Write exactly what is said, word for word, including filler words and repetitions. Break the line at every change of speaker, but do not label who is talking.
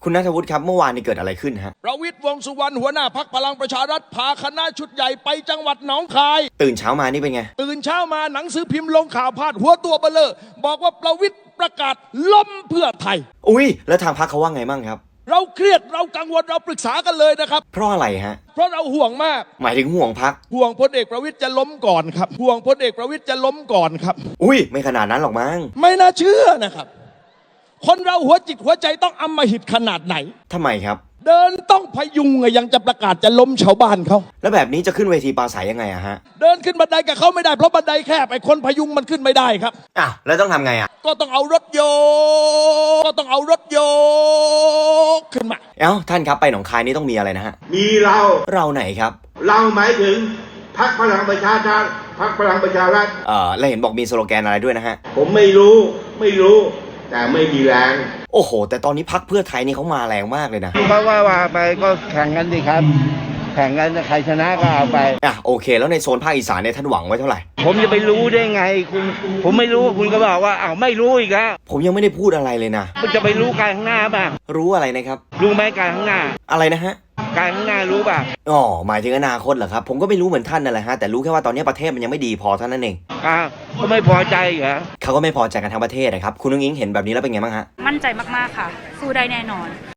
คุณณัฐวุฒิครับเมื่อวานนี้เกิดอะไรขึ้นฮะ
ประวิตรวงษ์สุวรรณหัวหน้าพรรคพลังประชารัฐพาคณะชุดใหญ่ไปจังหวัดหนองคาย
ตื่นเช้ามานี่เป็นไง
ตื่นเช้ามาหนังสือพิมพ์ลงข่าวพาดหัวตัวเบลอบอกว่าประวิตรประกาศล้มเพื่อไทย
อุ้ยแล้วทางพรรคเขาว่าไงบ้างครับ
เราเครียดเรากังวลเราปรึกษากันเลยนะครับ
เพราะอะไรฮะ
เพราะเราห่วงมาก
หมายถึงห่วงพรรค
ห่วงพลเอกประวิตรจะล้มก่อนครับห่วงพลเอกประวิตรจะล้มก่อนครับ
อุ้ยไม่ขนาดนั้นหรอกมั้ง
ไม่น่าเชื่อนะครับคนเราหัวจิตหัวใจต้องอำมหิตขนาดไหน
ทำไมครับ
เดินต้องพยุงไงยังจะประกาศจะล้มชาวบ้านเขา
แล้วแบบนี้จะขึ้นเวทีปราศัยยังไงอะฮะ
เดินขึ้นบันไดกับเขาไม่ได้เพราะบันไดแคบไอ้คนพยุงมันขึ้นไม่ได้ครับ
อ้าวแล้วต้องทำไงอะ
ก็ต้องเอารถโยกก็ต้องเอารถโยกขึ้นมา
เอ้าท่านครับไปหนองคายนี่ต้องมีอะไรนะฮะ
มีเรา
เราไหนครับ
เราหมายถึงพรรคพลังประชาชาติพรรคพลังประชารัฐ
เอ่อแล้วเห็นบอกมีสโลแกนอะไรด้วยนะฮะ
ผมไม่รู้ไม่รู้แต่ไม่มีแรง
โอ้โหแต่ตอนนี้พรรคเพื่อไทยนี่เขามาแรงมากเลยนะ
เพราะว่าว่าไปก็แข่งกันดิครับแข่งกันใครชนะก็เอาไป
อ่ะโอเคแล้วในโซนภาคอีสานเนี่ยท่านหวังไว้เท่าไหร่
ผมจะไปรู้ได้ไงคุณผมไม่รู้คุณก็บอกว่าอ้าวไม่รู้อีกแล้ว
ผมยังไม่ได้พูดอะไรเลยนะ
คุณจะไปรู้การข้างหน้าป่ะ
รู้อะไรนะครับ
รู้ไหมการข้างหน้า
อะไรนะฮะ
การข้างหน้ารู้ป่ะ
อ๋อหมายถึงอนาคตเหรอครับผมก็ไม่รู้เหมือนท่านนั่นแหละฮะแต่รู้แค่ว่าตอนนี้ประเทศมันยังไม่ดีพอเท่านั้นเอง
อ่าก็ไม่พอใจเหรอ
เขาก็ไม่พอใจกันทั้งประเทศนะครับคุณนุ้งอิงเห็นแบบนี้แล้วเป็นไงบ้างฮะ
มั่นใจมากๆค่ะสู้ได้แน่นอน